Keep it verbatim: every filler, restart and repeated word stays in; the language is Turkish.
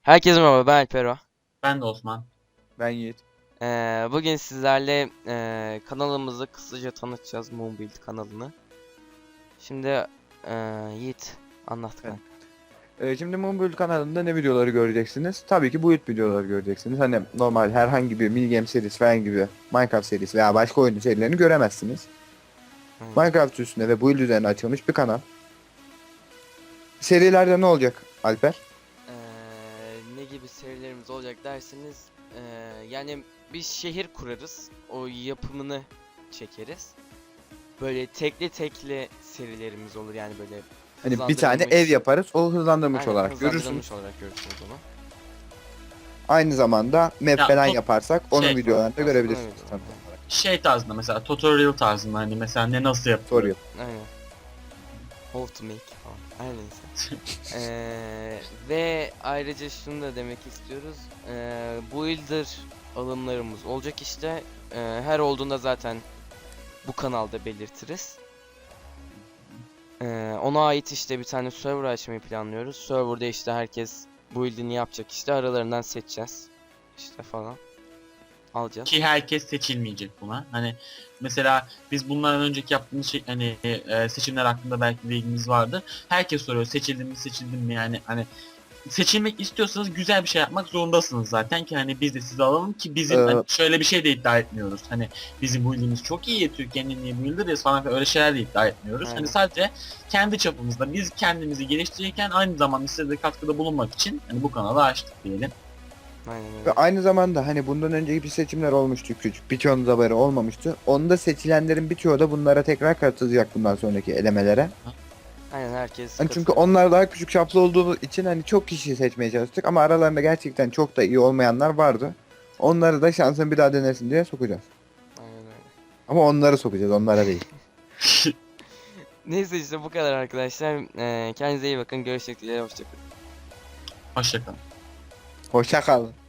Herkese merhaba, ben Alpero. Ben de Osman. Ben Yiğit. Ee, bugün sizlerle ee, kanalımızı kısaca tanıtacağız, Moonbuild kanalını. Şimdi ee, Yiğit anlat Evet. kanka. Ee, şimdi Moonbuild kanalında ne videoları göreceksiniz? Tabii ki build videoları göreceksiniz. Hani normal herhangi bir mini game serisi falan gibi Minecraft serisi veya başka oyun serilerini göremezsiniz. Aynen. Minecraft üstüne ve build üzerine açılmış bir kanal. Serilerde ne olacak Alper? Ee, ne gibi serilerimiz olacak derseniz, ee, yani bir şehir kurarız, o yapımını çekeriz. Böyle tekli tekli serilerimiz olur, yani böyle Hani bir tane hızlandırılmış- ev yaparız. O hızlandırmış Aynen, olarak hızlandırılmış görürsünüz. olarak görürsünüz onu. Aynı zamanda map Ya, falan top- yaparsak onun şey, videolarını da aslında görebilirsiniz. öyle. Tabii. Şey tarzında mesela tutorial tarzında hani mesela ne nasıl yapılır. Soruyor. Aynen. How to make falan. Her neyse. Eee, ve ayrıca şunu da demek istiyoruz. Eee builder alımlarımız olacak işte. Eee, her olduğunda zaten bu kanalda belirtiriz. Eee, ona ait işte bir tane server açmayı planlıyoruz. Serverda işte herkes build'ini yapacak, işte aralarından seçeceğiz. İşte falan. Alacağız. Ki herkes seçilmeyecek buna. Hani mesela biz bunlardan önceki yaptığımız şey hani e, seçimler hakkında belki bilgimiz vardı. Herkes soruyor seçildim mi seçildim mi yani hani seçilmek istiyorsanız güzel bir şey yapmak zorundasınız zaten ki hani biz de sizi alalım ki bizim Ee, hani şöyle bir şey de iddia etmiyoruz. Hani bizim build'imiz çok iyi, Türkiye'nin en iyi build'iriz falan filan öyle şeyler de iddia etmiyoruz. Aynen. Hani sadece kendi çapımızda biz kendimizi geliştirirken aynı zamanda size de katkıda bulunmak için hani bu kanalı açtık diyelim. Aynen Ve öyle. aynı zamanda hani bundan önceki bir seçimler olmuştu küçük. Birçoğunuz haberi olmamıştı. Onda seçilenlerin birçoğu da bunlara tekrar katılacak bundan sonraki elemelere. Aynen, herkes Hani çünkü katılıyor. onlar daha küçük çaplı olduğu için hani çok kişi seçmeye çalıştık ama aralarında gerçekten çok da iyi olmayanlar vardı. Onları da şansın bir daha denesin diye sokacağız. Aynen öyle. Ama onları sokacağız, onlara değil. Neyse, işte bu kadar arkadaşlar. Eee kendinize iyi bakın. Görüşmek üzere. Hoşçakalın. Hoşçakalın. Hoşça kalın.